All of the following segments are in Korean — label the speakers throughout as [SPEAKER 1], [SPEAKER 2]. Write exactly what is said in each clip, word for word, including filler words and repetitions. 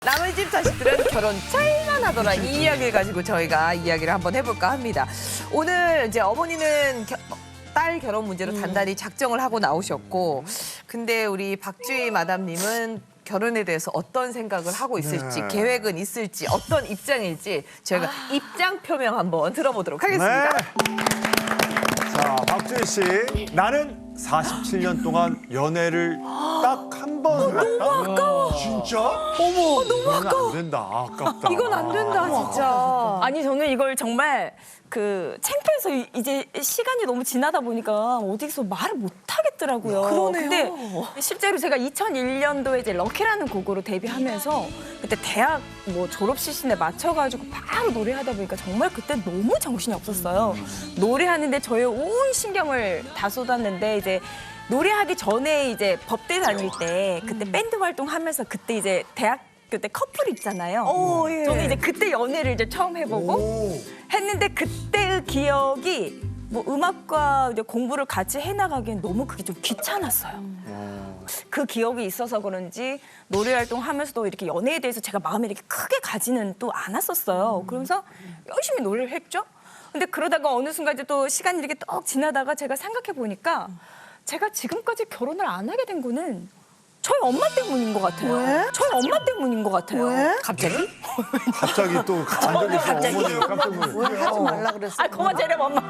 [SPEAKER 1] 남의 집 자식들은 결혼 차이만 하더라. 이 이야기를 가지고 저희가 이야기를 한번 해볼까 합니다. 오늘 이제 어머니는 겨, 딸 결혼 문제로 단단히 작정을 하고 나오셨고, 근데 우리 박주희 마담님은 결혼에 대해서 어떤 생각을 하고 있을지,
[SPEAKER 2] 네.
[SPEAKER 1] 계획은 있을지, 어떤 입장일지 저희가 입장 표명 한번 들어보도록 하겠습니다.
[SPEAKER 2] 네. 자, 박주희 씨. 나는 사십칠 년 동안 연애를 딱 한 번 했다. 너무 아까워. 진짜? 어머. 너무 아까워. 안 된다. 아깝다.
[SPEAKER 1] 이건 안 된다, 진짜.
[SPEAKER 3] 아니 저는 이걸 정말 그 창피해서 이- 이제 시간이 너무 지나다 보니까 어디서 말을 못 하겠더라고요.
[SPEAKER 1] 그러네요.
[SPEAKER 3] 근데 실제로 제가 이천일 년도에 이제 럭키라는 곡으로 데뷔하면서 그때 대학 뭐 졸업 시즌에 맞춰가지고 바로 노래하다 보니까 정말 그때 너무 정신이 없었어요. 노래하는데 저의 온 신경을 다 쏟았는데 이제 노래하기 전에 이제 법대 다닐 때 그때 밴드 활동하면서 그때 이제 대학 그때 커플 있잖아요.
[SPEAKER 1] 오, 예.
[SPEAKER 3] 저는 이제 그때 연애를 이제 처음 해보고 했는데 그때의 기억이 뭐 음악과 이제 공부를 같이 해나가기엔 너무 그게 좀 귀찮았어요. 그 기억이 있어서 그런지 노래 활동하면서도 이렇게 연애에 대해서 제가 마음에 이렇게 크게 가지는 또 않았었어요. 그러면서 열심히 노래를 했죠. 근데 그러다가 어느 순간 이제 또 시간이 이렇게 떡 지나다가 제가 생각해 보니까 제가 지금까지 결혼을 안 하게 된 거는 저희 엄마 때문인 것 같아요.
[SPEAKER 1] 왜?
[SPEAKER 3] 저희 엄마 때문인 것 같아요.
[SPEAKER 1] 왜? 갑자기?
[SPEAKER 2] 갑자기 또 안정해서 어머니가 깜짝 놀랐어요.
[SPEAKER 1] 하지 말라 그랬어.
[SPEAKER 3] 아, 그만 재렴 엄마.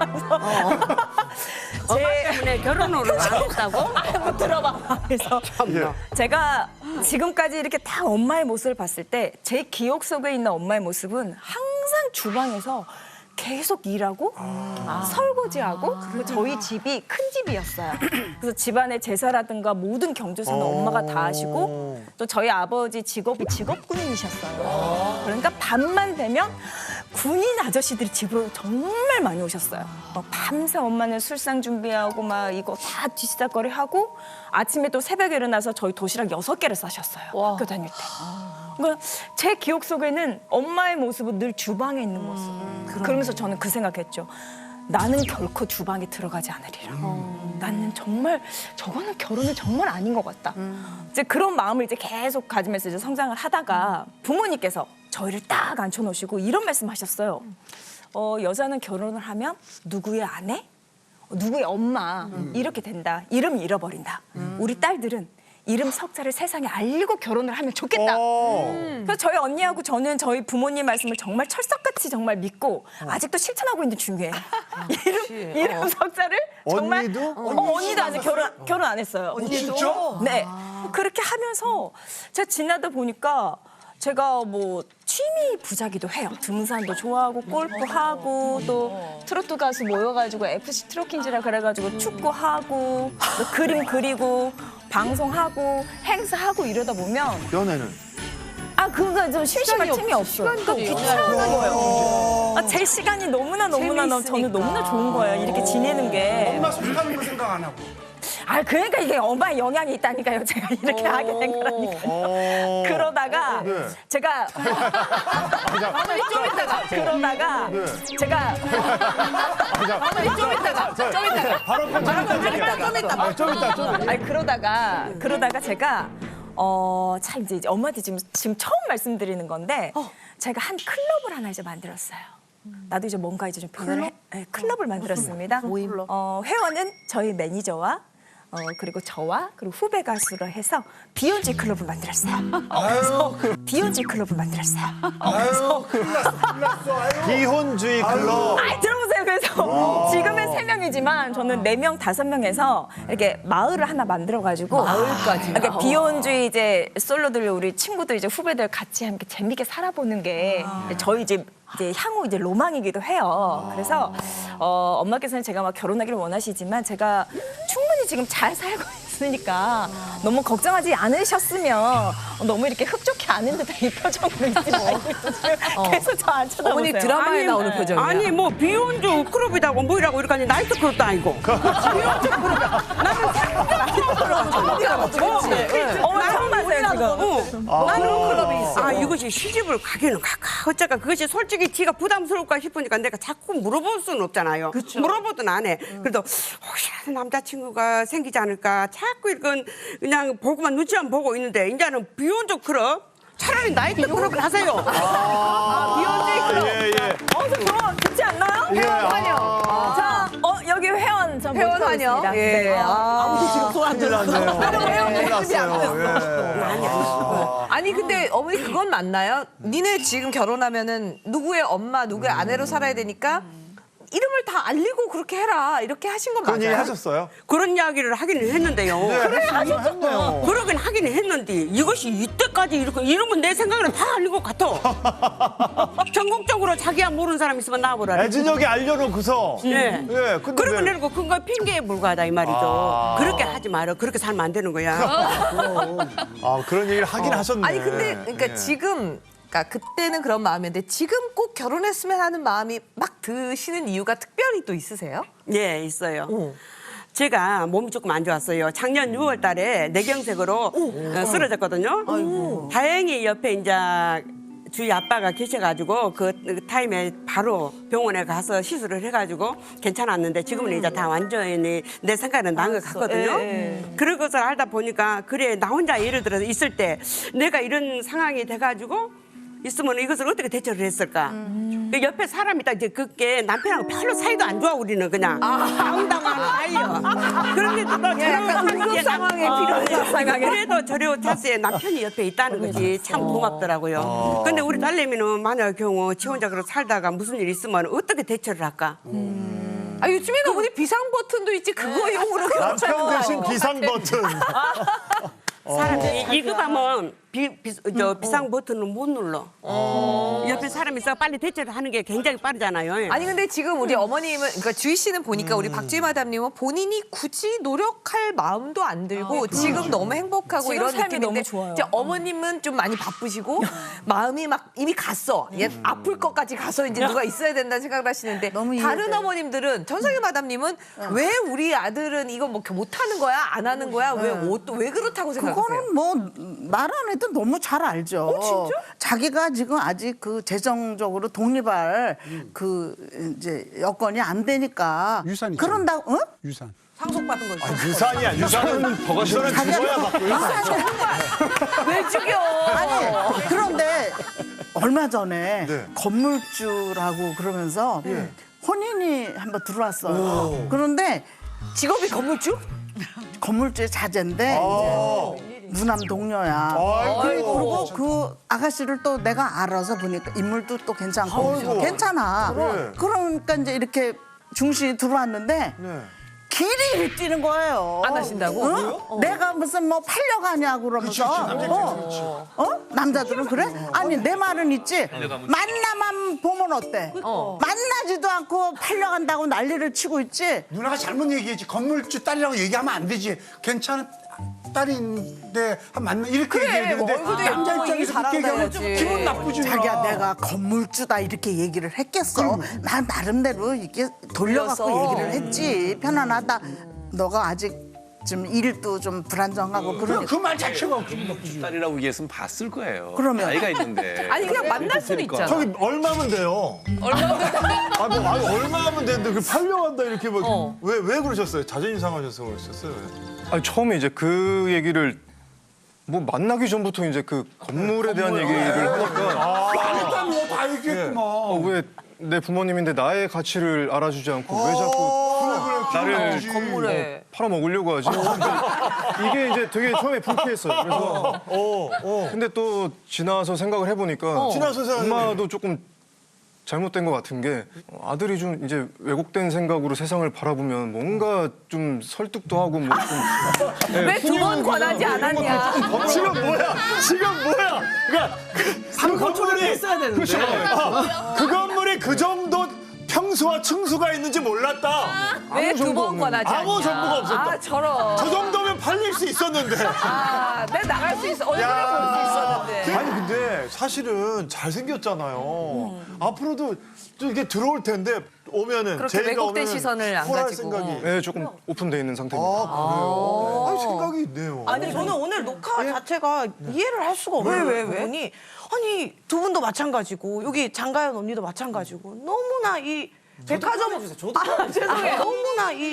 [SPEAKER 4] 제 때문에 결혼을 안 했다고?
[SPEAKER 3] 못 들어봐. 그래서
[SPEAKER 2] 예.
[SPEAKER 3] 제가 지금까지 이렇게 다 엄마의 모습을 봤을 때 제 기억 속에 있는 엄마의 모습은 항상 주방에서 계속 일하고 설거지하고 그리고 저희 집이 큰 집이었어요. 그래서 집안의 제사라든가 모든 경조사는 엄마가 다 하시고 또 저희 아버지 직업이 직업 군인이셨어요. 그러니까 밤만 되면 군인 아저씨들이 집으로 정말 많이 오셨어요. 막 밤새 엄마는 술상 준비하고 막 이거 다 뒤치다거리 하고 아침에 또 새벽에 일어나서 저희 도시락 여섯 개를 싸셨어요. 학교 다닐 때. 그러니까 제 기억 속에는 엄마의 모습은 늘 주방에 있는 모습. 그러면서 저는 그 생각했죠. 나는 결코 주방에 들어가지 않으리라. 나는 정말 저거는 결혼은 정말 아닌 것 같다. 이제 그런 마음을 이제 계속 가지면서 이제 성장을 하다가 부모님께서 저희를 딱 앉혀놓으시고 이런 말씀하셨어요. 어, 여자는 결혼을 하면 누구의 아내, 누구의 엄마 이렇게 된다. 이름 잃어버린다. 우리 딸들은 이름 석자를 세상에 알리고 결혼을 하면 좋겠다.
[SPEAKER 2] 어.
[SPEAKER 3] 그래서 저희 언니하고 저는 저희 부모님 말씀을 정말 철석같이 정말 믿고 아직도 실천하고 있는 중이에요. 이름, 이름 석자를 정말
[SPEAKER 2] 언니도?
[SPEAKER 3] 어, 언니도 아직 결혼 결혼 안 했어요.
[SPEAKER 1] 언니도?
[SPEAKER 3] 네. 그렇게 하면서 제가 지나다 보니까 제가 뭐 취미 부자기도 해요. 등산도 좋아하고 골프하고 또 트로트 가수 모여가지고 에프씨 트로킹즈라 그래가지고 축구하고 또 그림 그리고 방송하고 행사하고 이러다 보면
[SPEAKER 2] 연애는?
[SPEAKER 3] 아 그거 좀 심심할 틈이 없어요. 그러니까 귀찮은 거예요. 아, 제 시간이 너무나 너무나 너무 저는 너무나 좋은 거예요. 이렇게 지내는 게.
[SPEAKER 5] 엄마 속하는 거 생각 안 하고.
[SPEAKER 3] 아 그러니까 이게 엄마의 영향이 있다니까요. 제가 이렇게 하게 된 거라니까.
[SPEAKER 2] 어.
[SPEAKER 3] 그러다가
[SPEAKER 2] 네.
[SPEAKER 3] 제가 좀 있다가 그러다가
[SPEAKER 2] 네.
[SPEAKER 3] 제가
[SPEAKER 1] 좀 이따가, 좀 이따가.
[SPEAKER 2] 바로 좀 이따, 좀 이따. 좀 이따, 좀 이따.
[SPEAKER 3] 아니 그러다가 그러다가 제가 어 참 이제 엄마한테 지금 지금 처음 말씀드리는 건데 제가 한 클럽을 하나 이제 만들었어요. 나도 이제 뭔가 이제 좀 변화를 해, 네, 클럽을 만들었습니다. 어, 회원은 저희 매니저와 어, 그리고 저와 그리고 후배 가수로 해서 비욘지 클럽을 만들었어요. 어, 그래서 비욘지 클럽을 만들었어요. 어, 그래서
[SPEAKER 2] 비혼주의 클럽.
[SPEAKER 3] 아이, 들어보세요. 그래서 지금은 세 명이지만 저는 네 명, 다섯 명에서 이렇게 마을을 하나 만들어가지고
[SPEAKER 1] 마을까지.
[SPEAKER 3] 이렇게 비혼주의 이제 솔로들 우리 친구들 이제 후배들 같이 함께 재밌게 살아보는 게 저희 집 이제 향후 이제 로망이기도 해요. 그래서 어, 엄마께서는 제가 막 결혼하기를 원하시지만 제가 충분히 지금 잘 살고 있으니까 너무 걱정하지 않으셨으면 너무 이렇게 흡족해 않은 듯한 이 표정으로 있지 말고 계속 저 안 쳐다보세요.
[SPEAKER 1] 어머니 드라마에 나오는 표정이야.
[SPEAKER 4] 아니 뭐 비혼주 클럽이다고 뭐이라고 이렇게 하니 나이트 클럽도 아니고 비혼주 클럽이야. 나는
[SPEAKER 3] 어, 처음 봤어요 지금.
[SPEAKER 4] 어. 나는 클럽이 있어. 아 이것이 시집을 가기는 가까 어쩌까 그것이 솔직히 지가 부담스러울까 싶으니까 내가 자꾸 물어볼 수는 없잖아요. 물어보든 안 해. 그래도 혹시라도 남자친구가 생기지 않을까 자꾸 이건 그냥 보고만 눈치만 보고 있는데 이제는 비혼주 클럽 차라리 나이 때 그렇게 하세요.
[SPEAKER 1] 아, 비욘세
[SPEAKER 2] 예, 예.
[SPEAKER 3] 어, 저 저거 듣지 않나요?
[SPEAKER 2] 예,
[SPEAKER 1] 환영.
[SPEAKER 2] 아,
[SPEAKER 3] 자, 어, 여기 회원 전
[SPEAKER 1] 회원
[SPEAKER 3] 모집하고
[SPEAKER 1] 환영.
[SPEAKER 3] 있습니다.
[SPEAKER 1] 예.
[SPEAKER 3] 네.
[SPEAKER 1] 아.
[SPEAKER 3] 아무도 지금 손안
[SPEAKER 2] 큰일
[SPEAKER 3] 들었어.
[SPEAKER 2] 났네요. 큰일
[SPEAKER 1] 준비 안
[SPEAKER 2] 났어요. 예. 아.
[SPEAKER 1] 아니 근데 어머니 그건 맞나요? 니네 지금 결혼하면은 누구의 엄마, 누구의 아내로 살아야 되니까 이름을 다 알리고 그렇게 해라 이렇게 하신 건
[SPEAKER 2] 그런
[SPEAKER 1] 맞아요?
[SPEAKER 2] 얘기 하셨어요?
[SPEAKER 4] 그런 이야기를 하기는 했는데요.
[SPEAKER 2] 그래, 하셨네요.
[SPEAKER 4] 그러긴 하긴 했는데 이것이 이때까지 이렇게 이러면 내 생각에는 다 알린 것 같아. 전국적으로 자기야 모르는 사람 있으면 나와보라.
[SPEAKER 2] 애진혁이 알려놓고서.
[SPEAKER 4] 네.
[SPEAKER 2] 예, 근데
[SPEAKER 4] 그러면
[SPEAKER 2] 왜-
[SPEAKER 4] 내고 그거 핑계에 불과하다 이 말이죠.
[SPEAKER 2] 아.
[SPEAKER 4] 그렇게 하지 마라. 그렇게 살면 안 되는 거야.
[SPEAKER 2] 아, 그런 얘기를 하긴 하셨네.
[SPEAKER 1] 아니 근데 그러니까
[SPEAKER 2] 예.
[SPEAKER 1] 지금 그러니까 그때는 그런 마음이었는데 지금 꼭 결혼했으면 하는 마음이 막 드시는 이유가 특별히 또 있으세요?
[SPEAKER 4] 예, 있어요.
[SPEAKER 1] 어.
[SPEAKER 4] 제가 몸이 조금 안 좋았어요. 작년 유월 달에 뇌경색으로 어, 쓰러졌거든요. 다행히 옆에 이제 주위 아빠가 계셔가지고 그 타임에 바로 병원에 가서 시술을 해가지고 괜찮았는데 지금은 이제 다 완전히 내 생각에는 나은 것 같거든요.
[SPEAKER 1] 예,
[SPEAKER 4] 그런 것을 알다 보니까 그래 나 혼자 예를 들어서 있을 때 내가 이런 상황이 돼가지고 있으면 이것을 어떻게 대처를 했을까? 그 옆에 사람이 딱 이제 그게 남편하고 별로 사이도 안 좋아 우리는 그냥 당당한 아이요. 그런데도 또
[SPEAKER 1] 약간 응급 상황에 필요한 상황에.
[SPEAKER 4] 그래도 저려 자세에 남편이 옆에 있다는 거지 참 고맙더라고요. 근데 우리 딸내미는 만약 경우 지 혼자 그렇게 살다가 무슨 일 있으면 어떻게 대처를 할까?
[SPEAKER 1] 아 요즘에는 어머니 비상 버튼도 있지 그거용으로
[SPEAKER 2] 남편 대신 비상 버튼.
[SPEAKER 4] 사람이 이급하면 비, 비, 저 비상 버튼을 못 눌러. 옆에 사람이 있어 빨리 대처를 하는 게 굉장히 빠르잖아요.
[SPEAKER 1] 아니 근데 지금 우리 어머님은 그러니까 주희 씨는 보니까 우리 박주희 마담님은 본인이 굳이 노력할 마음도 안 들고 지금 너무 행복하고
[SPEAKER 3] 지금
[SPEAKER 1] 이런
[SPEAKER 3] 삶이
[SPEAKER 1] 느낌인데
[SPEAKER 3] 너무 좋아요.
[SPEAKER 1] 이제 어머님은 좀 많이 바쁘시고 마음이 막 이미 갔어. 얘 아플 것까지 가서 이제 누가 있어야 된다는 생각을 하시는데 다른 어머님들은 전성희 마담님은 왜 우리 아들은 이거 뭐 못하는 거야 안 하는 거야 왜 또 왜 그렇다고 생각하세요?
[SPEAKER 5] 그거는 뭐 말 안 해도 너무 잘 알죠.
[SPEAKER 1] 어, 진짜?
[SPEAKER 5] 자기가 지금 아직 그 재정적으로 독립할 그 이제 여건이 안 되니까
[SPEAKER 6] 유산 있잖아.
[SPEAKER 5] 그런다고 어?
[SPEAKER 6] 유산.
[SPEAKER 1] 상속받은 거 있어.
[SPEAKER 2] 아, 유산이야, 유산은 버거시는 죽어야 받고.
[SPEAKER 1] 왜 죽여?
[SPEAKER 5] 아니 그런데 얼마 전에
[SPEAKER 2] 네.
[SPEAKER 5] 건물주라고 그러면서 혼인이 한번 들어왔어요. 그런데
[SPEAKER 1] 직업이 건물주?
[SPEAKER 5] 건물주의 자제인데
[SPEAKER 2] 아.
[SPEAKER 5] 이제 무남 동료야.
[SPEAKER 2] 아이고.
[SPEAKER 5] 그리고 그 아가씨를 또 내가 알아서 보니까 인물도 또 괜찮고
[SPEAKER 2] 아이고.
[SPEAKER 5] 괜찮아.
[SPEAKER 2] 네.
[SPEAKER 5] 그러니까 이제 이렇게 중신이 들어왔는데
[SPEAKER 2] 네.
[SPEAKER 5] 길이 뛰는 거예요.
[SPEAKER 1] 안 하신다고?
[SPEAKER 5] 어? 내가 무슨 뭐 팔려가냐고 그러면서. 어? 어? 남자들은 그래? 아니 내 말은 있지. 만나만 보면 어때? 만나지도 않고 팔려간다고 난리를 치고 있지.
[SPEAKER 6] 누나가 잘못 얘기했지. 건물주 딸이라고 얘기하면 안 되지. 괜찮은 딸인데 한 만나 이렇게 얘기해야 되는데
[SPEAKER 1] 얼굴도
[SPEAKER 6] 남자
[SPEAKER 1] 예쁘고
[SPEAKER 6] 입장에서 그렇게 얘기하면 좀
[SPEAKER 1] 잘한다야지.
[SPEAKER 6] 기분 나쁘지.
[SPEAKER 5] 자기야
[SPEAKER 6] 누나.
[SPEAKER 5] 내가 건물주다 이렇게 얘기를 했겠어. 난 나름대로 이렇게 돌려갖고
[SPEAKER 1] 돌려서.
[SPEAKER 5] 얘기를 했지. 편안하다. 너가 아직 좀 일도 좀 불안정하고 그러니까.
[SPEAKER 6] 그 말 자체가 기분 나쁘지.
[SPEAKER 7] 딸이라고 얘기했으면 봤을 거예요.
[SPEAKER 5] 그러면.
[SPEAKER 7] 나이가 있는데.
[SPEAKER 1] 아니 그냥 만날 수는 있잖아.
[SPEAKER 2] 저기 얼마면 돼요? 얼마면 아, 뭐, 아니, 얼마면 되는데 그 팔려간다 이렇게 막.
[SPEAKER 1] 어.
[SPEAKER 2] 왜, 왜 그러셨어요? 자존심 상하셔서 그러셨어요?
[SPEAKER 8] 아니, 처음에 이제 그 얘기를 뭐 만나기 전부터 이제 그 건물에 대한 얘기를 하니까
[SPEAKER 6] 일단 뭐다 얘기했구만.
[SPEAKER 8] 어, 왜 내 부모님인데 나의 가치를 알아주지 않고 왜 자꾸 나를
[SPEAKER 1] 건물에.
[SPEAKER 8] 팔아먹으려고 하지? 근데 이게 이제 되게 처음에 불쾌했어요. 그래서
[SPEAKER 2] 어, 어.
[SPEAKER 8] 근데 또 지나서 생각을 해보니까
[SPEAKER 2] 지나서 생각해.
[SPEAKER 8] 엄마도 조금 잘못된 것 같은 게 아들이 좀 이제 왜곡된 생각으로 세상을 바라보면 뭔가 좀 설득도 하고 뭐좀
[SPEAKER 1] 왜 두 번 권하지 않았냐?
[SPEAKER 2] 지금 뭐야? 지금 뭐야? 그러니까 그, 그 건물이
[SPEAKER 7] 했어야 되는데.
[SPEAKER 2] 아, 그 건물이 그 정도 평수와 층수가 있는지 몰랐다.
[SPEAKER 1] 왜 두 번 권하지 않냐?
[SPEAKER 2] 아무 정보가 없었다.
[SPEAKER 1] 아 저런.
[SPEAKER 2] 저 정도면 팔릴 수 있었는데.
[SPEAKER 1] 아, 내 나갈 수 있어. 얼굴을 볼 수 있었는데.
[SPEAKER 2] 아니 근데 사실은 잘 생겼잖아요. 앞으로도 또 이렇게 들어올 텐데 오면은
[SPEAKER 1] 그렇게
[SPEAKER 2] 제이가
[SPEAKER 1] 왜곡된
[SPEAKER 2] 오면은
[SPEAKER 1] 시선을 안
[SPEAKER 2] 홀할
[SPEAKER 1] 가지고.
[SPEAKER 2] 생각이.
[SPEAKER 8] 네, 조금 오픈돼 있는 상태입니다.
[SPEAKER 2] 아 그래요? 아니 생각이 있네요.
[SPEAKER 9] 아니 저는 오늘 녹화 자체가 이해를 할 수가 없어요. 왜, 왜, 왜? 아니, 아니 두 분도 마찬가지고 여기 장가연 언니도 마찬가지고 너무나 이 백화점 아, 죄송해요. 너무나 이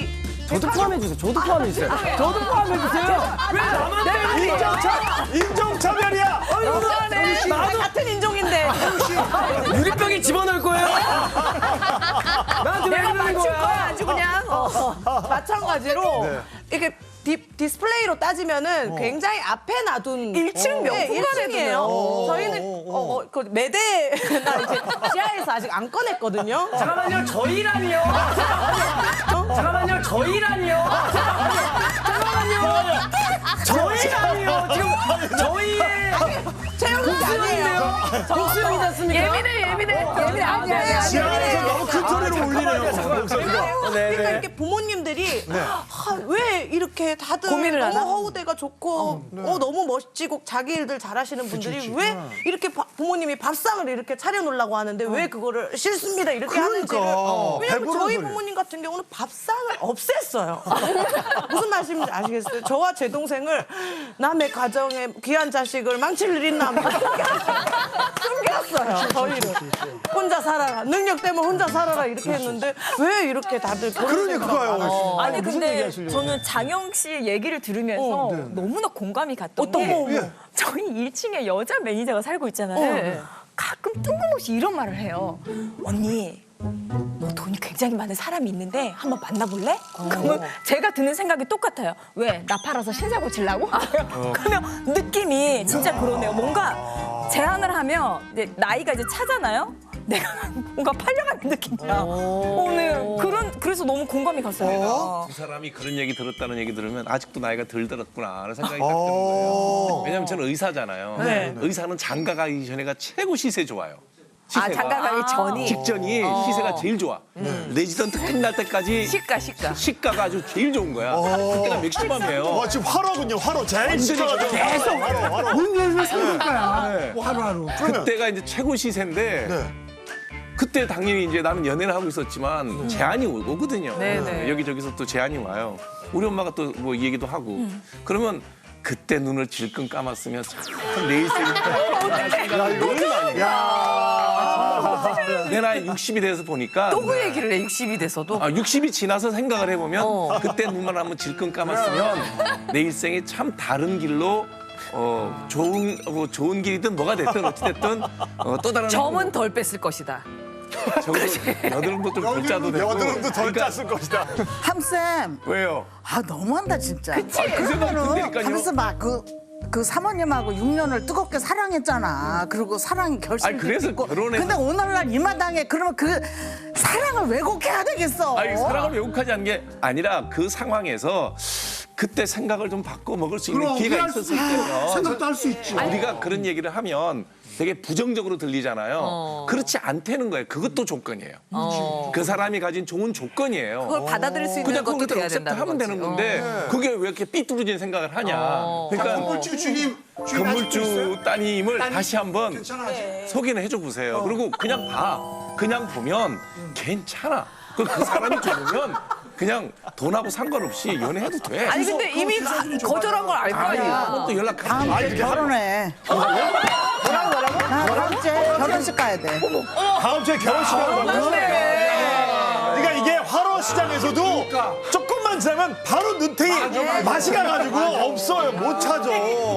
[SPEAKER 10] 저도 포함해 주세요. 저도 포함해 주세요. 저도 포함해 주세요. 왜 나만 때리는 거야?
[SPEAKER 2] 인종차별이야.
[SPEAKER 9] 너무하네. 나도 같은 인종인데.
[SPEAKER 10] 유리병에 집어넣을 거예요? 나한테 왜
[SPEAKER 9] 내가
[SPEAKER 10] 이러는
[SPEAKER 9] 맞출 거야
[SPEAKER 10] 거야?
[SPEAKER 9] 아주 그냥. 어. 마찬가지로
[SPEAKER 2] 네.
[SPEAKER 9] 이렇게 디, 디스플레이로 따지면은 굉장히 앞에 놔둔
[SPEAKER 3] 일 층 명품관에
[SPEAKER 9] 요 저희는 어, 어, 그 매대나 이제 지하에서 아직 안 꺼냈거든요.
[SPEAKER 10] 잠깐만요. 저희라니요. 잠깐만요. 저희라니요. 잠깐만요. 저희라니요. 지금 저희의
[SPEAKER 9] 채용이 아니에요.
[SPEAKER 10] 복수형이지 않습니까?
[SPEAKER 1] 예민해 예민해 예민해 아니야 아니야.
[SPEAKER 2] 지하에서 너무 큰 소리로 울리네요. 목소리가.
[SPEAKER 10] 네,
[SPEAKER 9] 그러니까
[SPEAKER 10] 네.
[SPEAKER 9] 이렇게 부모님들이 아, 왜 이렇게 다들
[SPEAKER 1] 고민을
[SPEAKER 9] 너무
[SPEAKER 1] 하나?
[SPEAKER 9] 허우대가 좋고 어, 너무 멋지고 자기 일들 잘하시는 분들이 왜 이렇게 바- 부모님이 밥상을 이렇게 차려놓으려고 하는데 왜 그거를 싫습니다 이렇게 하는지를
[SPEAKER 2] 그러니까.
[SPEAKER 9] 왜냐면
[SPEAKER 2] 배부른
[SPEAKER 9] 저희
[SPEAKER 2] 소리.
[SPEAKER 9] 부모님 같은 경우는 밥상을 없앴어요. 무슨 말씀인지 아시겠어요? 저와 제 동생을 남의 가정에 귀한 자식을 망칠 일 있나 하면서 숨겼어요. 저희를 혼자 살아라 능력 때문에 혼자 살아라 이렇게 했는데 왜 이렇게 다들 그런
[SPEAKER 2] 그러니까요.
[SPEAKER 9] 생각을
[SPEAKER 3] 아니
[SPEAKER 2] 무슨
[SPEAKER 3] 근데
[SPEAKER 2] 얘기하시려고.
[SPEAKER 3] 저는 장영 씨 얘기를 들으면서 너무나 공감이 갔던
[SPEAKER 9] 어떤
[SPEAKER 3] 게
[SPEAKER 9] 거?
[SPEAKER 2] 예.
[SPEAKER 3] 저희 일 층에 여자 매니저가 살고 있잖아요.
[SPEAKER 1] 네.
[SPEAKER 3] 가끔 뜬금없이 이런 말을 해요. 언니, 너 돈이 굉장히 많은 사람이 있는데 한번 만나볼래? 그러면 제가 드는 생각이 똑같아요. 왜? 나 팔아서 신사 고치려고? 그러면 느낌이 진짜 그러네요. 뭔가 제안을 하면 이제 나이가 이제 차잖아요. 내가 뭔가 팔려가는 느낌이야. 오늘 그런 그래서 너무 공감이 갔어요.
[SPEAKER 7] 두 사람이 그런 얘기 들었다는 얘기 들으면 아직도 나이가 덜 들었구나 하는 생각이 딱 드는
[SPEAKER 2] 어.
[SPEAKER 7] 거예요. 왜냐면 저는 의사잖아요.
[SPEAKER 1] 네.
[SPEAKER 7] 의사는 장가 가기 전에가 최고 시세 좋아요.
[SPEAKER 1] 아
[SPEAKER 7] 시세가.
[SPEAKER 1] 장가 가기 전이
[SPEAKER 7] 직전이 시세가 제일 좋아. 레지던트 끝날 때까지
[SPEAKER 1] 시가 시가.
[SPEAKER 7] 시가가 아주 제일 좋은 거야. 그때가 맥시멈이에요.
[SPEAKER 2] 와 지금 화로군요. 화로 제일 시끄러워가지고 계속 화로 화로.
[SPEAKER 6] 왜 삼을 거야? 뭐 하루하루.
[SPEAKER 7] 그때가 이제 최고 시세인데
[SPEAKER 2] 네.
[SPEAKER 7] 그때 당연히 이제 나는 연애를 하고 있었지만 제안이 오- 오거든요.
[SPEAKER 1] 네네.
[SPEAKER 7] 여기저기서 또 제안이 와요. 우리 엄마가 또 뭐 이 얘기도 하고. 그러면 그때 눈을 질끈 감았으면 참 내일 생각이 너무 많이 내 나이 육십이 돼서 보니까
[SPEAKER 1] 또 그 얘기를 해 육십이 돼서도.
[SPEAKER 7] 아, 육십이 지나서 생각을 해보면
[SPEAKER 1] 어.
[SPEAKER 7] 그때 눈만 한번 질끈 감았으면 내 일생이 참 다른 길로 어, 좋은 뭐 좋은 길이든 뭐가 됐든 어찌됐든 어, 또 다른
[SPEAKER 1] 점은 덜 뺐을 것이다.
[SPEAKER 7] 적어도 여드름도 좀 덜 짜도 되고
[SPEAKER 2] 여드름도 덜
[SPEAKER 7] 그러니까
[SPEAKER 2] 짰을 것이다.
[SPEAKER 5] 함쌤,
[SPEAKER 7] 왜요?
[SPEAKER 5] 아 너무한다 진짜.
[SPEAKER 7] 아, 그 생각이 든다니까요.
[SPEAKER 5] 가면서 막그 그 사모님하고 육 년을 뜨겁게 사랑했잖아. 그리고 사랑이 결실도
[SPEAKER 7] 아니, 그래서
[SPEAKER 5] 있고.
[SPEAKER 7] 결혼해서-
[SPEAKER 5] 근데 오늘날 이 마당에 그러면 그 사랑을 왜곡해야 되겠어?
[SPEAKER 7] 아니 사랑을 왜곡하지 않은 게 아니라 그 상황에서 그때 생각을 좀 바꿔 먹을 수 있는
[SPEAKER 6] 그럼
[SPEAKER 7] 기회가
[SPEAKER 6] 이해할 수
[SPEAKER 7] 있었을
[SPEAKER 6] 있지.
[SPEAKER 7] 때요.
[SPEAKER 6] 생각도 할 수 있지.
[SPEAKER 7] 우리가 그런 얘기를 하면 되게 부정적으로 들리잖아요.
[SPEAKER 1] 어.
[SPEAKER 7] 그렇지 않다는 거예요. 그것도 조건이에요.
[SPEAKER 1] 어.
[SPEAKER 7] 그 사람이 가진 좋은 조건이에요.
[SPEAKER 1] 그걸 받아들일 수 있는
[SPEAKER 7] 그냥
[SPEAKER 1] 것도
[SPEAKER 7] 그걸
[SPEAKER 1] 돼야
[SPEAKER 7] 액셉트
[SPEAKER 1] 된다는
[SPEAKER 7] 하면
[SPEAKER 1] 거지.
[SPEAKER 7] 되는 건데 그게 왜 이렇게 삐뚤어진 생각을 하냐.
[SPEAKER 1] 어.
[SPEAKER 7] 그러니까
[SPEAKER 6] 건물주 주님, 주인 아직도 있어요?
[SPEAKER 7] 건물주 따님을 다시 한번
[SPEAKER 6] 괜찮아 아직.
[SPEAKER 7] 소개는 해줘 보세요. 그리고 그냥 봐. 그냥 보면 괜찮아. 그, 그 사람이 좋으면 그냥 돈하고 상관없이 연애해도 돼.
[SPEAKER 1] 아니 근데 이미 가- 거절한 걸 알 거
[SPEAKER 7] 아니,
[SPEAKER 1] 아니야.
[SPEAKER 7] 그것도 연락하고.
[SPEAKER 5] 다음 주에 결혼해. 뭐라고 뭐라고? 나 다음 주에 결혼식 가야 돼.
[SPEAKER 2] 다음 주에 결혼식 한다고. 그러니까 이게 화로 시장에서도 조금만 지나면 바로 눈탱이 맛이 가가지고 없어요. 못 찾아.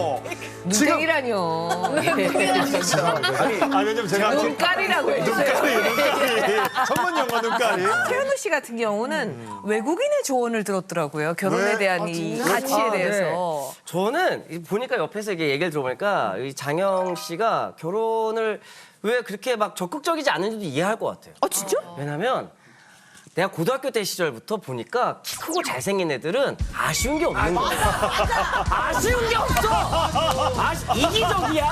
[SPEAKER 1] 눈탱이라뇨.
[SPEAKER 2] 아니, 아니 왜냐면 제가 지금
[SPEAKER 1] 눈깔이라고 해주세요.
[SPEAKER 2] 눈깔이 눈깔이 전문 용어 눈깔이.
[SPEAKER 1] 최현우 씨 같은 경우는 외국인의 조언을 들었더라고요. 결혼에
[SPEAKER 2] 왜?
[SPEAKER 1] 대한 이 가치에
[SPEAKER 10] 아, 네.
[SPEAKER 1] 대해서.
[SPEAKER 10] 저는 이 보니까 옆에서 이게 얘기를 들어보니까 이 장영 씨가 결혼을 왜 그렇게 막 적극적이지 않은지도 이해할 것 같아요.
[SPEAKER 1] 어 진짜?
[SPEAKER 10] 왜냐면 내가 고등학교 때 시절부터 보니까 키 크고 잘생긴 애들은 아쉬운 게 없는 거야. 아쉬운 게 없어. 아쉬, 이기적이야.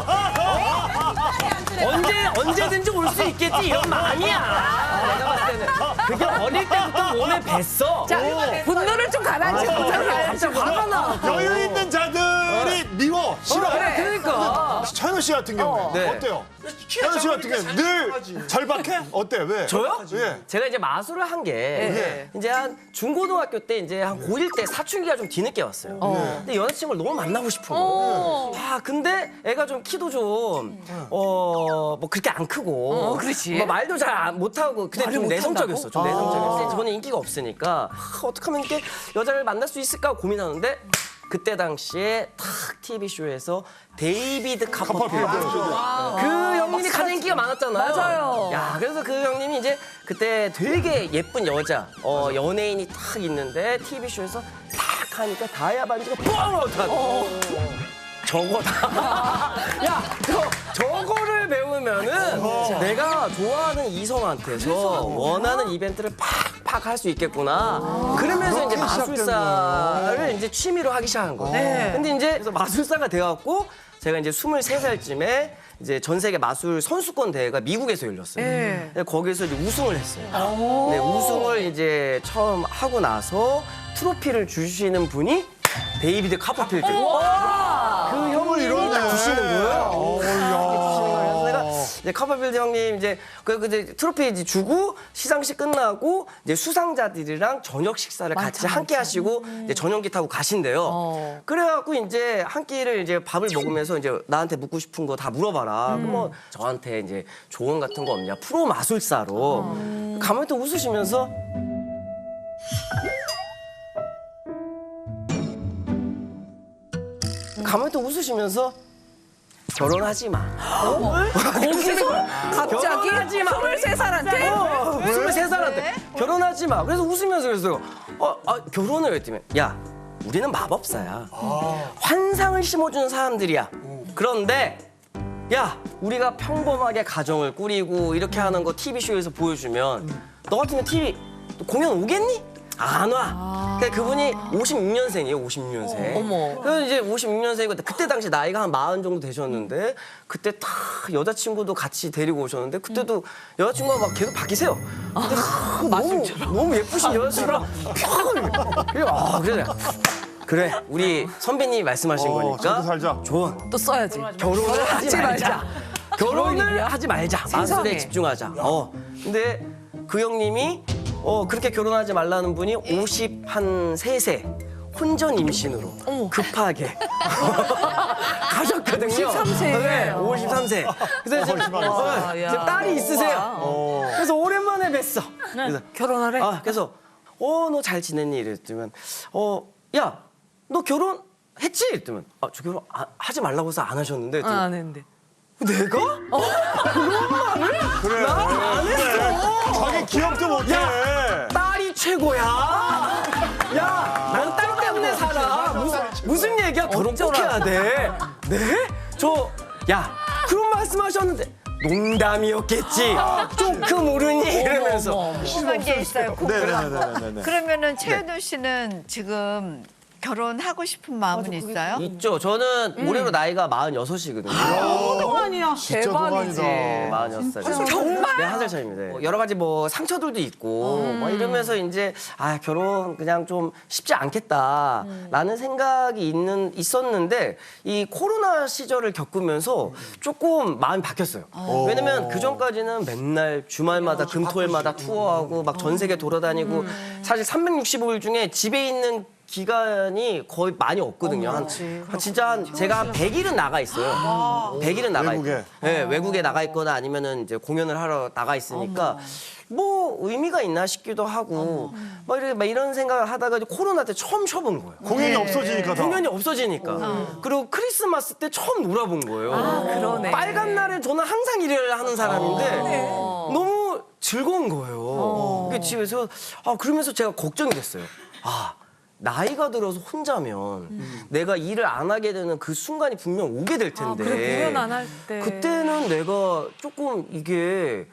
[SPEAKER 10] 어? 언제 언제든지 올 수 있겠지 이런 마음이야. 내가 봤을 때는 그게 어릴 때부터 몸에 뱄어.
[SPEAKER 1] 자 분노를 좀 가라앉히고.
[SPEAKER 10] 진짜 화가 나.
[SPEAKER 2] 여유 있는 자들 아들이 미워 싫어.
[SPEAKER 10] 그래, 그러니까.
[SPEAKER 2] 차현우 씨 같은 경우에
[SPEAKER 10] 네.
[SPEAKER 2] 어때요? 차현우 씨 같은 경우에 늘 절박해? 어때? 왜?
[SPEAKER 10] 저요?
[SPEAKER 2] 예.
[SPEAKER 10] 제가 이제 마술을 한 게
[SPEAKER 1] 네.
[SPEAKER 10] 이제 한 중고등학교 때 이제 한 고일 때 사춘기가 좀 뒤늦게 왔어요. 근데 여자친구를 너무 만나고 싶은 거예요. 아 근데 애가 좀 키도 좀 어 뭐 그렇게 안 크고
[SPEAKER 1] 어, 그렇지.
[SPEAKER 10] 뭐 말도 잘 못하고 근데
[SPEAKER 1] 말을
[SPEAKER 10] 좀
[SPEAKER 1] 못
[SPEAKER 10] 내성적이었어. 좀
[SPEAKER 1] 한다고?
[SPEAKER 10] 내성적이었어. 저는 인기가 없으니까 아, 어떻게 하면 이렇게 여자를 만날 수 있을까 고민하는데 그때 당시에 탁 티비쇼에서 데이비드 카퍼필드 그 형님이 가장 인기가 많았잖아요.
[SPEAKER 1] 맞아요.
[SPEAKER 10] 야, 그래서 그 형님이 이제 그때 되게 예쁜 여자, 어, 연예인이 탁 있는데 티비쇼에서 탁 하니까 다이아 반지가 뻥! 하고 저거다. 야, 저, 저거를 배우면은 내가 좋아하는 이성한테서 원하는 이벤트를 팍팍 할 수 있겠구나. 그러면서 이제 마술사를 이제 취미로 하기 시작한 거예요. 근데 이제 그래서 마술사가 돼갖고 제가 이제 스물세 살쯤에 이제 전 세계 마술 선수권 대회가 미국에서 열렸어요. 근데 거기서 이제 우승을 했어요. 네, 우승을 이제 처음 하고 나서 트로피를 주시는 분이 데이비드 카퍼필드. 그 형님이 딱 주시는 거예요. 그래서 내가 이제 카퍼필드 형님 이제 그 그 이제 트로피 이제 주고 시상식 끝나고 이제 수상자들이랑 저녁 식사를 같이 함께 하시고 이제 전용기 타고 가신대요. 그래갖고 이제 한 끼를 이제 밥을 먹으면서 이제 나한테 묻고 싶은 거 다 물어봐라. 그럼 뭐 저한테 이제 조언 같은 거 없냐? 프로 마술사로 가만히 또 웃으시면서. 가만히 또 웃으시면서 결혼하지 마.
[SPEAKER 1] 거기서 갑자기
[SPEAKER 10] 결혼하지 마.
[SPEAKER 1] 스물세 살한테?
[SPEAKER 10] 어, 스물세 살한테 결혼하지 마. 그래서 웃으면서 그랬어요. 어, 아, 결혼을 했더니 야, 우리는 마법사야. 환상을 심어주는 사람들이야. 그런데 야, 우리가 평범하게 가정을 꾸리고 이렇게 하는 거 티비쇼에서 보여주면 너 같으면 티비 공연 오겠니? 안 와. 그러니까 그분이 오십육 년생이에요, 오십육 년생.
[SPEAKER 1] 어머.
[SPEAKER 10] 그래서 이제 오십육 년생이고 그때 당시 나이가 한 마흔 정도 되셨는데 그때 다 여자친구도 같이 데리고 오셨는데 그때도 여자친구가 막 계속 바뀌세요. 근데 아, 너무, 너무 예쁘신 여자친구랑 평을. 그래, 아, 그래. 그래, 우리 선배님이 말씀하신
[SPEAKER 2] 어,
[SPEAKER 10] 거니까.
[SPEAKER 2] 저도 살자.
[SPEAKER 10] 조언.
[SPEAKER 1] 또 써야지.
[SPEAKER 10] 결혼을 하지 말자. 결혼을 하지 말자. 마술에
[SPEAKER 1] 세상에.
[SPEAKER 10] 집중하자. 어. 근데 그 형님이 어 그렇게 결혼하지 말라는 분이 오십삼 세 혼전 임신으로 급하게 가셨거든요.
[SPEAKER 1] 오십삼 세.
[SPEAKER 10] 네, 오십삼 세. 그래서 지금,
[SPEAKER 1] 와,
[SPEAKER 10] 어,
[SPEAKER 1] 야.
[SPEAKER 10] 지금 딸이 있으세요. 그래서 오랜만에 뵀어. 그래서
[SPEAKER 1] 결혼하래?
[SPEAKER 10] 아, 그래서 어, 너 잘 지냈니? 이랬더니 어, 야, 너 결혼했지? 이랬더니 아, 저 결혼 아, 하지 말라고 해서 안 하셨는데.
[SPEAKER 1] 아, 안 했는데.
[SPEAKER 10] 내가? 어? 그런 말을?
[SPEAKER 2] 그래.
[SPEAKER 10] 나 안 했어.
[SPEAKER 2] 자기 기억도 못해.
[SPEAKER 10] 딸이 최고야. 야, 난 딸 때문에 살아. 무슨 무슨 얘기야? 결혼 꼭 해야 돼. 네? 저, 야, 그런 말씀하셨는데 농담이었겠지. 조금 모르니 이러면서.
[SPEAKER 11] 궁금한 게 있어요. 궁금한 거.
[SPEAKER 2] 네네네네.
[SPEAKER 11] 그러면은 최현우 씨는 지금 결혼하고 싶은 마음은 있어요?
[SPEAKER 10] 있죠. 저는 올해로 나이가 마흔여섯이거든요.
[SPEAKER 9] 동안이야.
[SPEAKER 2] 진짜
[SPEAKER 1] 대박이지.
[SPEAKER 2] 동안이다.
[SPEAKER 10] 마흔여섯 살이요. 정말? 네, 한 살 차이입니다. 여러 가지 뭐 상처들도 있고 뭐 이러면서 이제 아 결혼 그냥 좀 쉽지 않겠다라는 생각이 있는 있었는데 이 코로나 시절을 겪으면서 조금 마음이 바뀌었어요. 왜냐면 그 전까지는 맨날 주말마다 금토일마다 투어하고 막 전 세계 돌아다니고 사실 삼백육십오 일 중에 집에 있는 기간이 거의 많이 없거든요. 한, 한 진짜 한 제가 한 백 일은 나가 있어요. 백 일은 나가
[SPEAKER 2] 외국에?
[SPEAKER 10] 있고. 네, 외국에 나가 있거나 아니면은 이제 공연을 하러 나가 있으니까 뭐 의미가 있나 싶기도 하고 막 이런 막 이런 생각을 하다가 이제 코로나 때 처음 쉬어본 거예요.
[SPEAKER 2] 공연이 없어지니까 다.
[SPEAKER 10] 공연이 없어지니까. 그리고 크리스마스 때 처음 놀아본 거예요.
[SPEAKER 1] 아, 그러네.
[SPEAKER 10] 빨간 날에 저는 항상 일을 하는 사람인데 너무 즐거운 거예요. 그게 집에서 아 그러면서 제가 걱정이 됐어요. 아 나이가 들어서 혼자면 내가 일을 안 하게 되는 그 순간이 분명 오게 될 텐데.
[SPEAKER 1] 아, 그래, 공연 안 할 때.
[SPEAKER 10] 그때는 내가 조금 이게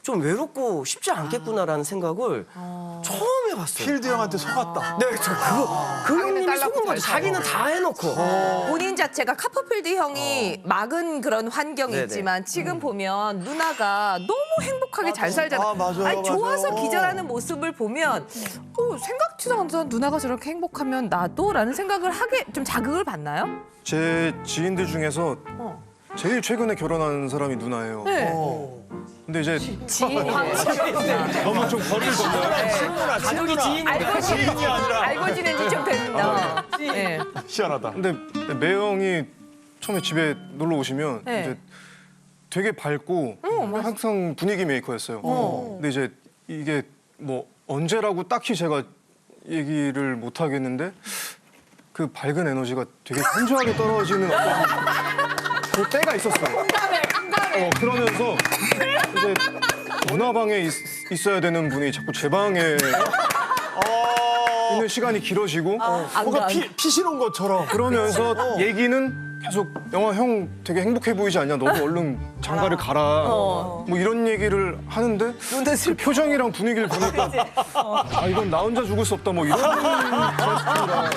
[SPEAKER 10] 좀 외롭고 쉽지 않겠구나라는 생각을 처음 해봤어요.
[SPEAKER 2] 필드 형한테 속았다.
[SPEAKER 10] 네, 저 그거 그 형님이
[SPEAKER 1] 딸라고
[SPEAKER 10] 속은 거죠.
[SPEAKER 1] 잘
[SPEAKER 10] 자기는 다 해놓고.
[SPEAKER 1] 본인 자체가 카퍼필드 형이 막은 그런 환경이
[SPEAKER 10] 네네.
[SPEAKER 1] 있지만 지금 보면 누나가 너무 행복하게 잘 살잖아요.
[SPEAKER 2] 아, 맞아요,
[SPEAKER 1] 아니, 좋아서
[SPEAKER 2] 맞아요.
[SPEAKER 1] 기절하는 모습을 보면 어, 생각지도 않던 누나가 저렇게 행복하면 나도라는 생각을 하게 좀 자극을 받나요?
[SPEAKER 8] 제 지인들 중에서
[SPEAKER 1] 어.
[SPEAKER 8] 제일 최근에 결혼한 사람이 누나예요.
[SPEAKER 1] 네.
[SPEAKER 8] 근데 이제
[SPEAKER 1] 지인이네.
[SPEAKER 2] 너무 좀 거리를 뒀나요?
[SPEAKER 10] 가족이 지인이
[SPEAKER 1] 알고 지낸
[SPEAKER 2] 지인이 아니라.
[SPEAKER 1] 알고 지낸 지 좀 됐나? 네.
[SPEAKER 2] 희한하다.
[SPEAKER 8] 근데 매형이 처음에 집에 놀러 오시면
[SPEAKER 1] 네.
[SPEAKER 8] 이제 되게 밝고 항상 분위기 메이커였어요. 근데 이제 이게 뭐 언제라고 딱히 제가 얘기를 못 하겠는데 그 밝은 에너지가 되게 현저하게 떨어지는 어떤 그 때가 있었어요. 어, 그러면서 이제 누나방에 있, 있어야 되는 분이 자꾸 제 방에 있는 시간이 길어지고
[SPEAKER 2] 뭔가 피, 피실 온 것처럼.
[SPEAKER 8] 그러면서 얘기는 계속 영화 형 되게 행복해 보이지 않냐? 너도 얼른 장가를 가라. 뭐 이런 얘기를 하는데 그 표정이랑 분위기를 보니까 아 이건 나 혼자 죽을 수 없다 뭐 이런 제스처라.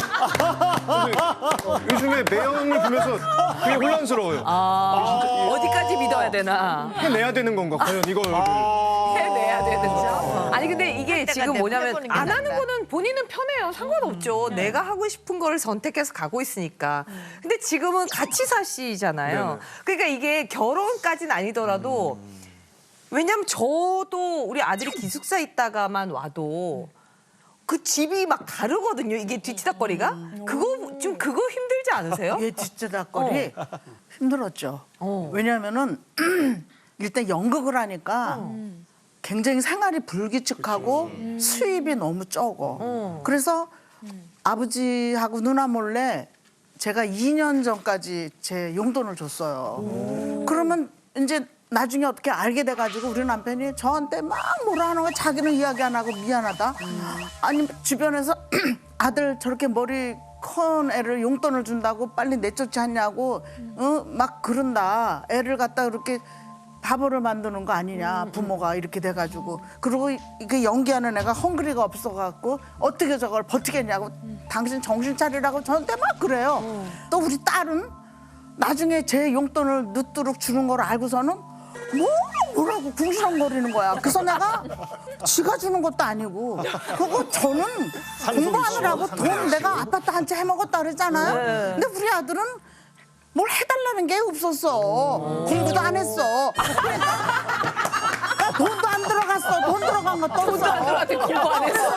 [SPEAKER 8] 요즘에 매형을 보면서 되게 혼란스러워요.
[SPEAKER 1] 아, 어디까지 믿어야 되나?
[SPEAKER 8] 해내야 되는 건가? 과연 이걸
[SPEAKER 1] 해내야 되는. 아니 근데 이게 지금 뭐냐면
[SPEAKER 9] 해보는 게
[SPEAKER 1] 안 하는
[SPEAKER 9] 낫다.
[SPEAKER 1] 거는 본인은 편해요. 상관없죠. 내가 하고 싶은 거를 선택해서 가고 있으니까. 근데 지금은 같이 사시잖아요. 그러니까 이게 결혼까지는 아니더라도 왜냐면 저도 우리 아들이 기숙사 있다가만 와도 그 집이 막 다르거든요. 이게 뒤치다거리가. 그거 좀 그거 힘들지 않으세요?
[SPEAKER 5] 얘 뒷지닥거리 힘들었죠.
[SPEAKER 1] 어.
[SPEAKER 5] 왜냐하면은 일단 연극을 하니까 굉장히 생활이 불규칙하고 수입이 너무 적어.
[SPEAKER 1] 어.
[SPEAKER 5] 그래서 아버지하고 누나 몰래 제가 이 년 전까지 제 용돈을 줬어요. 그러면 이제 나중에 어떻게 알게 돼가지고 우리 남편이 저한테 막 뭐라 하는 거 자기는 이야기 안 하고 미안하다. 아니 주변에서 아들 저렇게 머리 큰 애를 용돈을 준다고 빨리 내쫓지 않냐고 어? 막 그런다. 애를 갖다 그렇게 바보를 만드는 거 아니냐 부모가 이렇게 돼가지고 그리고 이게 연기하는 애가 헝그리가 없어갖고 어떻게 저걸 버티겠냐고 당신 정신 차리라고 저한테 막 그래요. 또 우리 딸은 나중에 제 용돈을 늦도록 주는 걸 알고서는 뭐 뭐라고 궁시렁거리는 거야. 그래서 내가 지가 주는 것도 아니고 그거 저는 공부하느라고 돈 내가 아파트 한 채 해먹었다 그랬잖아요. 근데 우리 아들은 뭘 해달라는 게 없었어. 공부도 안 했어. 그러니까 돈도 안 들어갔어. 돈 들어간 것도 없어.
[SPEAKER 1] 돈도 안 들어갔대. 공부 안 했어.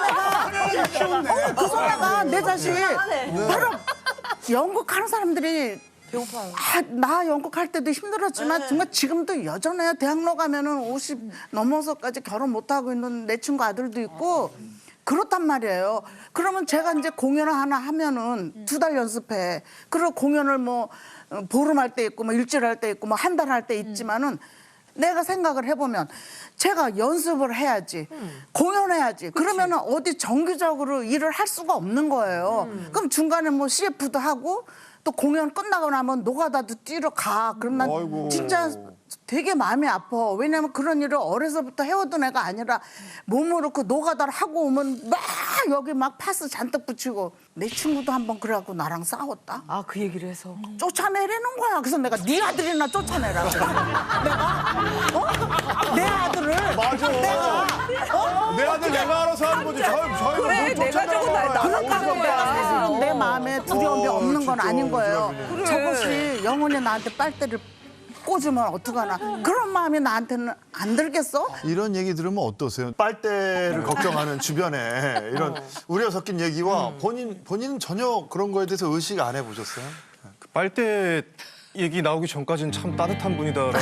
[SPEAKER 5] 어, 그래서 내가 내 자식 바로 연극하는 사람들이 아, 나 연극할 때도 힘들었지만 정말 지금도 여전해요. 대학로 가면은 오십 넘어서까지 결혼 못 하고 있는 내 친구 아들도 있고 그렇단 말이에요. 그러면 제가 이제 공연을 하나 하면은 두 달 연습해. 그리고 공연을 뭐 보름할 때 있고 뭐 일주일 할 때 있고 뭐 한 달 할 때 있지만은 내가 생각을 해보면 제가 연습을 해야지 공연해야지 그러면은 어디 정기적으로 일을 할 수가 없는 거예요. 그럼 중간에 뭐 씨에프도 하고 또 공연 끝나고 나면 노가다도 뛰러 가. 그럼 난
[SPEAKER 2] 아이고.
[SPEAKER 5] 진짜 되게 마음이 아파. 왜냐면 그런 일을 어려서부터 해오던 애가 아니라 몸으로 그 노가다를 하고 오면 막 여기 막 파스 잔뜩 붙이고 내 친구도 한번 그래갖고 나랑 싸웠다.
[SPEAKER 1] 아, 그 얘기를 해서.
[SPEAKER 5] 쫓아내려는 거야. 그래서 내가 네 아들이나 쫓아내라. 내가 어? 내 아들을
[SPEAKER 2] 맞아.
[SPEAKER 5] 내가 어?
[SPEAKER 2] 내 아들 내가 알아서 하는 거지. 저희 저희가
[SPEAKER 1] 그래,
[SPEAKER 2] 뭘
[SPEAKER 1] 내가
[SPEAKER 2] 쫓아내라고
[SPEAKER 1] 저거 나-
[SPEAKER 2] 그래.
[SPEAKER 1] 나랑
[SPEAKER 5] 그러니까 내가
[SPEAKER 1] 거야.
[SPEAKER 5] 내 마음에 두려움이
[SPEAKER 2] 어,
[SPEAKER 5] 없는 건
[SPEAKER 2] 진짜
[SPEAKER 5] 아닌 거예요.
[SPEAKER 2] 그래.
[SPEAKER 5] 저것이 영원히 나한테 빨대를 꽂으면 어떡하나. 그런 마음이 나한테는 안 들겠어?
[SPEAKER 2] 이런 얘기 들으면 어떠세요? 빨대를 걱정하는 주변에 이런 우려 섞인 얘기와 본인 본인은 전혀 그런 거에 대해서 의식 안 해보셨어요?
[SPEAKER 8] 그 빨대 얘기 나오기 전까지는 참 따뜻한 분이다라고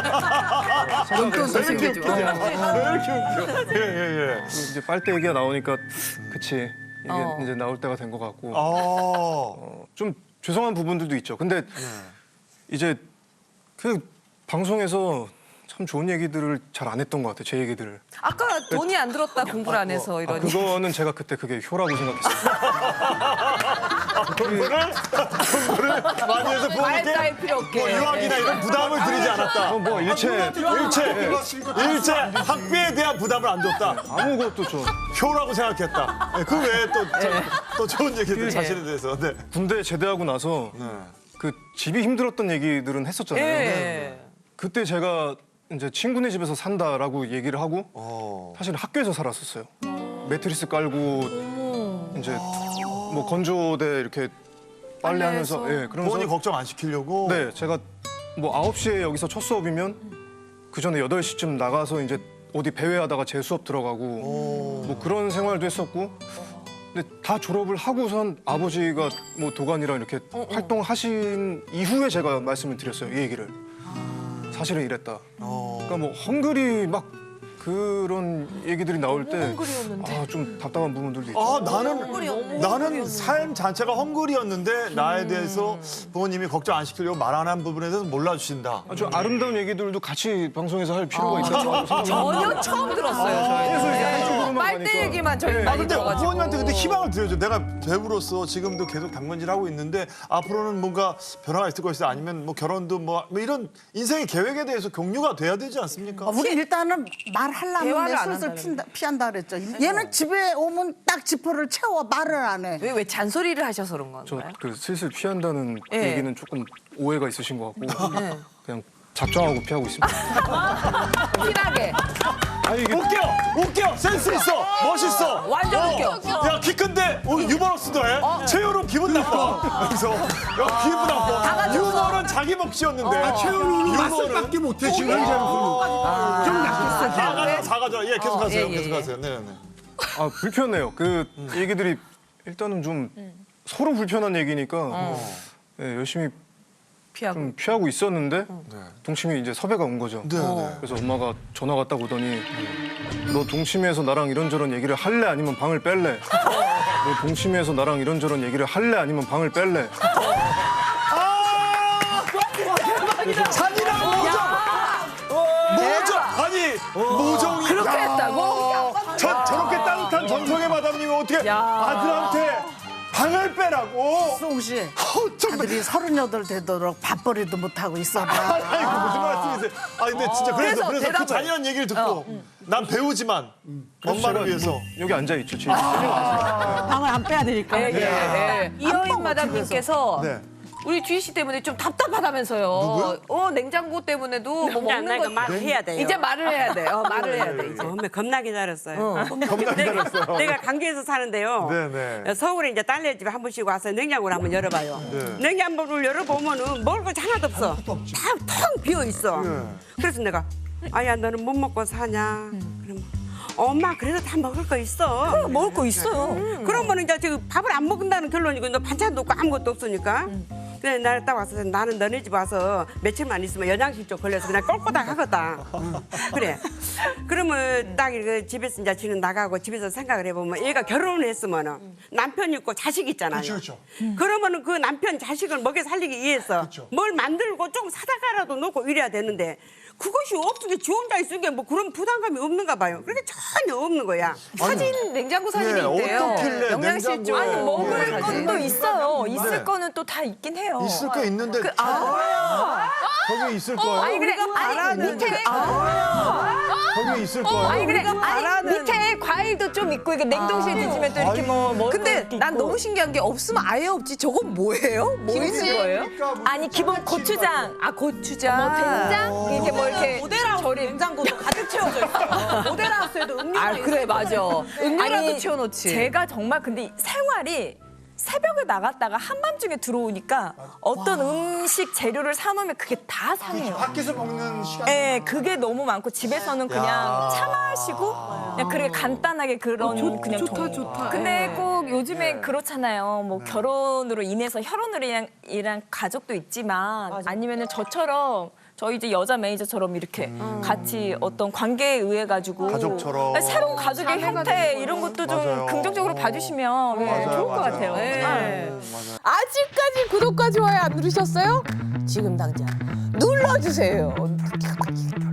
[SPEAKER 1] 용돈도 챙겨주고.
[SPEAKER 2] 왜 이렇게 웃겨? 예예예.
[SPEAKER 8] 이제 빨대 얘기가 나오니까 그치 이게
[SPEAKER 1] 어.
[SPEAKER 8] 이제 나올 때가 된 것 같고
[SPEAKER 2] 아.
[SPEAKER 8] 어, 좀 죄송한 부분들도 있죠. 근데 이제 그 방송에서 참 좋은 얘기들을 잘 안 했던 것 같아요. 제 얘기들을.
[SPEAKER 1] 아까 돈이 안 들었다 공부를 안 해서
[SPEAKER 8] 아,
[SPEAKER 1] 이런.
[SPEAKER 8] 그거는 제가 그때 그게 효라고 생각했어요.
[SPEAKER 2] 공부를 공부를 많이 해서 부모님께
[SPEAKER 1] 말다할 필요 없게.
[SPEAKER 2] 뭐 유학이나 이런 부담을 드리지 않았다.
[SPEAKER 8] 어, 뭐 일체
[SPEAKER 2] 일체 일체 학비에 대한 부담을 안 줬다.
[SPEAKER 8] 아무것도 저
[SPEAKER 2] 효라고 생각했다. 네, 그 외에 또, 저, 또 좋은 얘기들 자신에 대해서. 네.
[SPEAKER 8] 군대 제대하고 나서 그 집이 힘들었던 얘기들은 했었잖아요.
[SPEAKER 1] 예.
[SPEAKER 8] 그때 제가 이제 친구네 집에서 산다라고 얘기를 하고
[SPEAKER 2] 어.
[SPEAKER 8] 사실 학교에서 살았었어요. 매트리스 깔고 이제 뭐 건조대 이렇게 빨래하면서 예, 그러면서
[SPEAKER 2] 부모님 걱정 안 시키려고.
[SPEAKER 8] 네, 제가 뭐 아홉 시에 여기서 첫 수업이면 그 전에 여덟 시쯤 나가서 이제 어디 배회하다가 재수업 들어가고 뭐 그런 생활도 했었고 근데 다 졸업을 하고선 아버지가 뭐 도관이랑 이렇게 활동하신 이후에 제가 말씀을 드렸어요, 이 얘기를. 사실은 이랬다. 그러니까 뭐 헝그리 막 그런 얘기들이 나올 때 아, 좀 답답한 부분들도 있죠.
[SPEAKER 2] 아 나는 나는 삶 자체가 헝그리였는데 나에 대해서 부모님이 걱정 안 시키려고 말 안 한 부분에 대해서 몰라주신다.
[SPEAKER 8] 아주 아름다운 얘기들도 같이 방송에서 할 필요가 있다고 생각합니다.
[SPEAKER 1] 전혀 처음 들었어요. 저희는. 빨대 얘기만 저희
[SPEAKER 2] 아
[SPEAKER 1] 많이
[SPEAKER 2] 근데
[SPEAKER 1] 들어가지고.
[SPEAKER 2] 부모님한테 근데 희망을 드려줘. 내가 배우로서 지금도 계속 당근질 하고 있는데 앞으로는 뭔가 변화가 있을 것이다. 아니면 뭐 결혼도 뭐, 뭐 이런 인생의 계획에 대해서 공유가 돼야 되지 않습니까?
[SPEAKER 5] 어, 우리 일단은 말하려면
[SPEAKER 1] 대화를 안
[SPEAKER 5] 슬슬
[SPEAKER 1] 한다는
[SPEAKER 5] 핀다, 피한다 그랬죠. 얘는 집에 오면 딱 지퍼를 채워 말을 안 해.
[SPEAKER 1] 왜, 왜 잔소리를 하셔서 그런
[SPEAKER 8] 저
[SPEAKER 1] 건가요?
[SPEAKER 8] 그 슬슬 피한다는
[SPEAKER 1] 예.
[SPEAKER 8] 얘기는 조금 오해가 있으신 것 같고 그냥 작정하고 피하고 있습니다.
[SPEAKER 1] 티나게.
[SPEAKER 8] 아니 이게
[SPEAKER 2] 웃겨! 웃겨! 센스 있어! 멋있어!
[SPEAKER 1] 완전
[SPEAKER 2] 어.
[SPEAKER 1] 웃겨.
[SPEAKER 2] 야, 키 큰데 어, 유머러스도 해? 최효로 기분 나빠. 그래서 야, 기분 나빠. 유머는 자기 몫이었는데.
[SPEAKER 6] 아, 최현우는 맛을밖에 못해 지금. 좀 약했어.
[SPEAKER 2] 작아져, 작아져. 예, 계속하세요.
[SPEAKER 1] 예, 예,
[SPEAKER 2] 계속하세요. 네, 네.
[SPEAKER 8] 아 불편해요. 그 얘기들이 일단은 좀 서로 불편한 얘기니까 예, 열심히
[SPEAKER 1] 피하고.
[SPEAKER 8] 좀 피하고 있었는데 동치미 이제 섭외가 온 거죠.
[SPEAKER 2] 네, 네.
[SPEAKER 8] 그래서 엄마가 전화가 딱 오더니 너 동치미에서 나랑 이런저런 얘기를 할래 아니면 방을 뺄래? 너 동치미에서 나랑 이런저런 얘기를 할래 아니면 방을 뺄래?
[SPEAKER 2] 잔인한 모정! 모정! 아니, 모정이.
[SPEAKER 1] 그렇게
[SPEAKER 2] 야.
[SPEAKER 1] 했다고?
[SPEAKER 2] 저, 저렇게 따뜻한 정성의 마담님이 어떻게
[SPEAKER 1] 야.
[SPEAKER 2] 아들한테 방을 빼라고?
[SPEAKER 5] 송 씨,
[SPEAKER 2] 어, 좀.
[SPEAKER 5] 아들이 서른여덟 되도록 밥벌이도 못하고 있어봐.
[SPEAKER 2] 아이고, 무슨 말씀이세요? 아, 근데 진짜 그래서,
[SPEAKER 1] 그래서
[SPEAKER 2] 그래서 그
[SPEAKER 1] 대답을.
[SPEAKER 2] 잔인한 얘기를 듣고 난 배우지만
[SPEAKER 8] 그래서
[SPEAKER 2] 엄마를
[SPEAKER 8] 제가
[SPEAKER 2] 위해서.
[SPEAKER 8] 뭐 여기 앉아 있죠. 지금.
[SPEAKER 5] 방을 안 빼야 되니까.
[SPEAKER 1] 예, 예, 예. 이여인 마담님께서
[SPEAKER 2] 네.
[SPEAKER 1] 우리 주희 씨 때문에 좀 답답하다면서요.
[SPEAKER 2] 누구요?
[SPEAKER 1] 어, 냉장고 때문에도 뭐 먹는
[SPEAKER 4] 나니까
[SPEAKER 1] 거
[SPEAKER 4] 말을 해야 돼요.
[SPEAKER 1] 이제 말을 해야 돼. 어, 말을 해야 돼, 이제.
[SPEAKER 4] 처음에 겁나 기다렸어요.
[SPEAKER 2] 겁나 기다렸어요.
[SPEAKER 4] 내가 강주에서 사는데요.
[SPEAKER 2] 네네.
[SPEAKER 4] 서울에 이제 딸네 집에 한 번씩 와서 냉장고를 한번 열어봐요.
[SPEAKER 2] 네.
[SPEAKER 4] 냉장고를 열어보면은 먹을 거 하나도 없어. 다 텅 비어 있어.
[SPEAKER 2] 네.
[SPEAKER 4] 그래서 내가 아야 너는 못 먹고 사냐? 그러면 엄마 그래도 다 먹을 거 있어.
[SPEAKER 3] 먹을 거 있어요.
[SPEAKER 4] 그러면 이제 지금 밥을 안 먹는다는 결론이고 너 반찬도 없고 아무것도 없으니까. 그래 나를 딱 와서 나는 너네 집 와서 며칠만 있으면 영양실 쪽 걸려서 그냥 꼴꼬닥 하거든. 그래. 그러면 딱 이렇게 집에서 이제 지금 나가고 집에서 생각을 해보면 얘가 결혼을 했으면은 남편 있고 자식 있잖아요.
[SPEAKER 6] 그렇죠.
[SPEAKER 4] 그러면은 그 남편 자식을 먹여 살리기 위해서
[SPEAKER 6] 그렇죠.
[SPEAKER 4] 뭘 만들고 좀 사다가라도 놓고 이래야 되는데 그것이 없으게 지 혼자 있으게 뭐 그런 부담감이 없는가 봐요. 그렇게 전혀 없는 거야.
[SPEAKER 1] 사진, 냉장고 사진이
[SPEAKER 2] 네,
[SPEAKER 1] 있대요.
[SPEAKER 2] 어떻길래
[SPEAKER 1] 영양실 쪽.
[SPEAKER 2] 냉장고에.
[SPEAKER 3] 아니 먹을
[SPEAKER 2] 네.
[SPEAKER 3] 것도 있어요.
[SPEAKER 2] 네.
[SPEAKER 3] 있을 거는 또 다 있긴 해요.
[SPEAKER 2] 있을 게 있는데
[SPEAKER 1] 그, 아,
[SPEAKER 2] 거기 있을 거예요.
[SPEAKER 1] 아니 그래, 아니 밑에,
[SPEAKER 2] 거기 있을 거예요.
[SPEAKER 3] 아니 그래, 아니 밑에 과일도 좀 있고 이게 냉동실에 뒤지면 또 이렇게 뭐 먹을
[SPEAKER 1] 근데
[SPEAKER 3] 것도
[SPEAKER 1] 난
[SPEAKER 3] 있고.
[SPEAKER 1] 너무 신기한 게 없으면 아예 없지. 저건 뭐예요? 뭐 있는 거예요?
[SPEAKER 3] 아니 기본 고추장,
[SPEAKER 1] 아 고추장.
[SPEAKER 3] 뭐 된장 이렇게 뭐 이렇게
[SPEAKER 9] 모델하우스
[SPEAKER 3] 절임.
[SPEAKER 9] 냉장고도 가득 채워져 있어. 모델하우스에도 음료가
[SPEAKER 1] 아 그래 맞아. 음료라도
[SPEAKER 3] 아니,
[SPEAKER 1] 채워놓지.
[SPEAKER 3] 제가 정말 근데 이 생활이 새벽에 나갔다가 한밤중에 들어오니까 어떤 음식 재료를 사놓으면 그게 다 상해요.
[SPEAKER 6] 밖에서 먹는 시간.
[SPEAKER 3] 예, 그게 너무 많고 집에서는 그냥 차 마시고 그냥 그렇게 간단하게 그런 그냥 좋다 좋다. 근데 꼭 요즘에 그렇잖아요. 뭐 결혼으로 인해서 혈연으로 인한, 인한 가족도 있지만 아니면은 저처럼 저희 이제 여자 매니저처럼 이렇게 같이 어떤 관계에 의해 가지고
[SPEAKER 2] 가족처럼.
[SPEAKER 3] 새로운 가족의 형태 이런 것도 좀
[SPEAKER 2] 맞아요.
[SPEAKER 3] 긍정적으로 봐주시면 예,
[SPEAKER 2] 맞아요,
[SPEAKER 3] 좋을 것
[SPEAKER 2] 맞아요.
[SPEAKER 3] 같아요.
[SPEAKER 1] 네.
[SPEAKER 2] 맞아요.
[SPEAKER 1] 아직까지 구독과 좋아요 안 누르셨어요? 지금 당장 눌러주세요.